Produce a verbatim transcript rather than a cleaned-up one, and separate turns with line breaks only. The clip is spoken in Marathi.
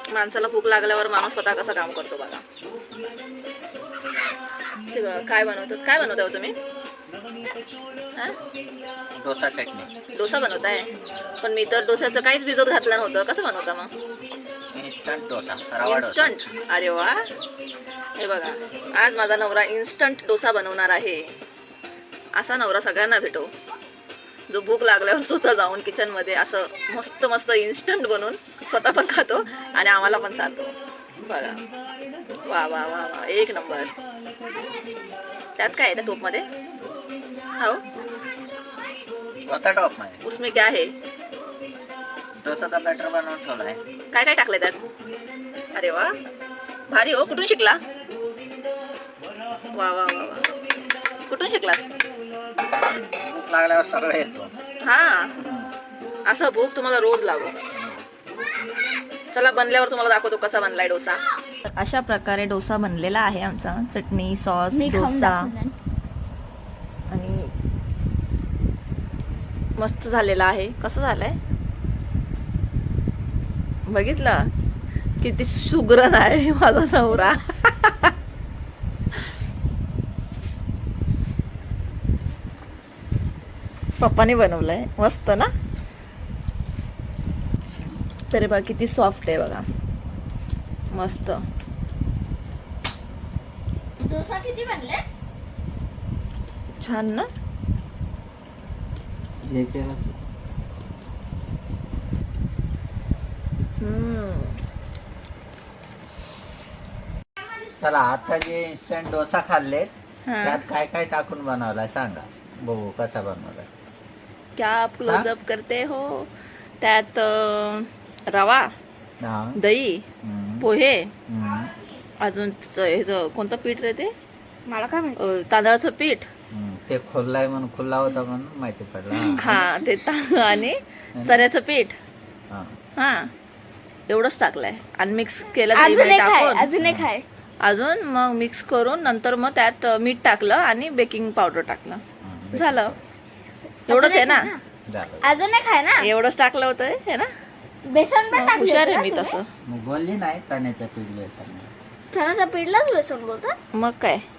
माणसाला भूक लागल्यावर माणूस स्वतः कसं काम करतो बघा. ते बघा काय बनवतात. काय बनवता हो तुम्ही? हा
डोसा चटणी.
डोसा बनवताय. पण मी तर डोस्याचं काहीच भिजत घातलं नव्हतं. कसं बनवता मग?
इन्स्टंट डोसा, रवा डोसा.
इन्स्टंट. अरे वा. हे बघा आज माझा नवरा इन्स्टंट डोसा बनवणार आहे. असा नवरा सगळ्यांना भेटो जो भूक लागल्यावर स्वतः जाऊन किचन मध्ये असं मस्त मस्त इन्स्टंट बनवून स्वतः पण खातो आणि आम्हाला पण चालतो बघा. वा वा वा वा एक नंबर. त्यात काय आहे त्या टोप मध्ये? हो
होता टॉप मध्ये.
उसमें क्या है?
डोसाचा बॅटर बनवून ठेवलाय.
काय काय टाकलंय त्यात? अरे वा भारी हो. कुठून शिकला? वा वा वा वा कुठून शिकला?
भूक लागल्यावर सगळं येतो.
हा असं भूक तुम्हाला रोज लागो. चला बनल्यावर तुम्हाला दाखवतो कसा बनलाय डोसा. अशा प्रकारे डोसा बनलेला आहे आमचा. चटणी सॉस डोसा आणि मस्त झालेला आहे. कसं झालंय बघितलं? किती सुगरण आहे माझा नवरा. पप्पाने बनवलंय मस्त ना. तरी बघा किती सॉफ्ट आहे बघा. मस्त.
डोसा किती बनले?
छान ना. हम्म.
चला आता जे इन्स्टंट डोसा खाल्ले
हा.
त्यात काय काय टाकून बनवलाय सांगा बघू कसा बनवलाय.
क्या आप क्लोजअप करते हो? त्यात अं, रवा
हा.
दही
हम्म.
पोहे
हम्म.
अजून ह्याचं कोणतं पीठ रे ते?
मला काय माहिती.
अं, तांदळाचं पीठ.
हम्म. ते खुल्लाय म्हणून खुल्ला होता म्हणून माहिती पडला.
हा ते तांदूळ आणि चण्याचं पीठ.
हा.
हा एवढंच टाकलंय आणि मिक्स केलं
अजून
दही
एक आहे,
टाकून.
अजून एक आहे.
अजून मग मिक्स करून नंतर मग त्यात मीठ टाकलं आणि बेकिंग पावडर टाकलं.
हम्म.
झालं. एवढंच आहे ना.
झालं.
अजून एक आहे ना.
एवढंच टाकलं होतं हे ना.
बेसन पण टाकलं
हुशार आहे
होतं
मी
ना
तसं.
मग बोलली नाही चण्याचं पीठ बेसन.
तुम्ही? चण्याच्या पीठलाच बेसन बोलतात.
मग काय